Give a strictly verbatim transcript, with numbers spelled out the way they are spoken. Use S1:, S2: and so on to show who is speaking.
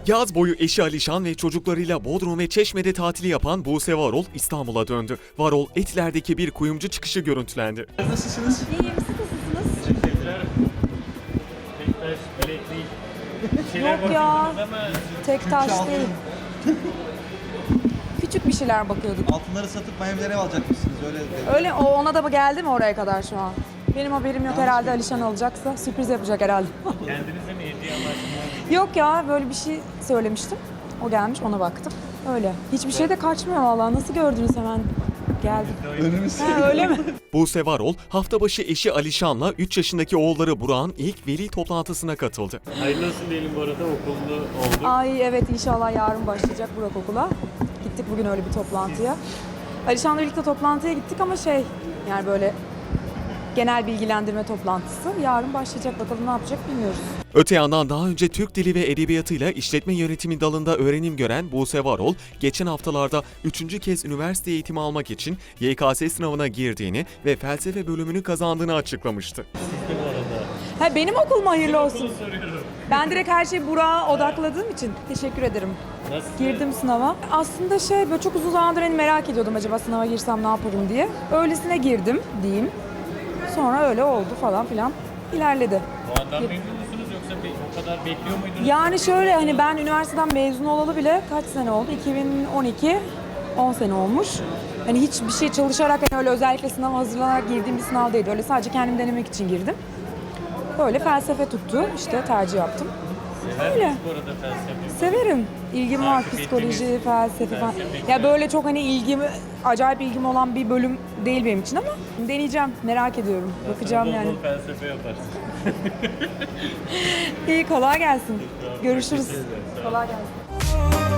S1: Yaz boyu eşi Alişan ve çocuklarıyla Bodrum ve Çeşme'de tatili yapan Buse Varol İstanbul'a döndü. Varol Etiler'deki bir kuyumcu çıkışı görüntülendi.
S2: Nasılsınız?
S3: İyiyim, siz nasılsınız?
S2: Teşekkürler. Tektaş, bileklik. Bir şeyler
S3: Yok ya,
S2: bakıyordunuz ama
S3: tek taş
S4: altın.
S3: değil. Küçük bir şeyler bakıyorduk.
S4: Altınları satıp Miami'lere ev alacakmışsınız öyle dedi.
S3: Öyle, o ona da geldi mi oraya kadar şu an? Benim haberim yok herhalde, Alişan alacaksa sürpriz yapacak herhalde.
S2: kendinize mi hediye amaçlı?
S3: Yok ya, böyle bir şey söylemiştim. O gelmiş, ona baktım. Öyle. Hiçbir şey de kaçmıyor vallahi. Nasıl gördünüz hemen? Geldi.
S4: Önümüz.
S3: Ha, öyle mi?
S1: Buse Varol hafta başı eşi Alişan'la üç yaşındaki oğulları Burak'ın ilk veli toplantısına katıldı.
S2: Hayırlı olsun diyelim bu arada, okullu olduk.
S3: Ay evet, inşallah yarın başlayacak Burak okula. Gittik bugün öyle bir toplantıya. Alişan'la birlikte toplantıya gittik ama şey, yani böyle genel bilgilendirme toplantısı. Yarın başlayacak, bakalım ne yapacak bilmiyoruz.
S1: Öte yandan daha önce Türk Dili ve Edebiyatı'yla işletme yönetimi dalında öğrenim gören Buse Varol, geçen haftalarda üçüncü kez üniversite eğitimi almak için Y K S sınavına girdiğini ve felsefe bölümünü kazandığını açıklamıştı.
S2: Siz de bu arada.
S3: Ha, benim okul mu hayırlı olsun?
S2: Okulu soruyorum.
S3: Ben direkt her şeyi Burak'a odakladığım için teşekkür ederim.
S2: Nasıl?
S3: Girdim sınava. Aslında şey, böyle çok uzun zamandır hani merak ediyordum, acaba sınava girsem ne yaparım diye. Öylesine girdim diyeyim. Sonra öyle oldu falan filan. İlerledi.
S2: Bu andan memnun musunuz yoksa bir, o kadar bekliyor muydunuz?
S3: Yani şöyle, hani ben üniversiteden mezun olalı bile kaç sene oldu? iki bin on iki, on sene olmuş. Hani hiçbir şey çalışarak, hani öyle özellikle sınava hazırlanarak girdiğim bir sınav değildi. Öyle sadece kendim denemek için girdim. Böyle felsefe tuttu. İşte tercih yaptım.
S2: Sever
S3: öyle.
S2: misiniz bu arada felsefe?
S3: Severim. İlgim var,
S2: Takip
S3: psikoloji,
S2: ettiğiniz
S3: felsefe falan.
S2: felsefe
S3: Ya böyle çok hani ilgim, acayip ilgim olan bir bölüm değil benim için ama deneyeceğim, merak ediyorum. Bakacağım
S2: Bol
S3: yani.
S2: bol felsefe yaparsınız.
S3: İyi, kolay gelsin. Görüşürüz.
S2: Teşekkür ederim. Sağ olun.
S3: Kolay gelsin.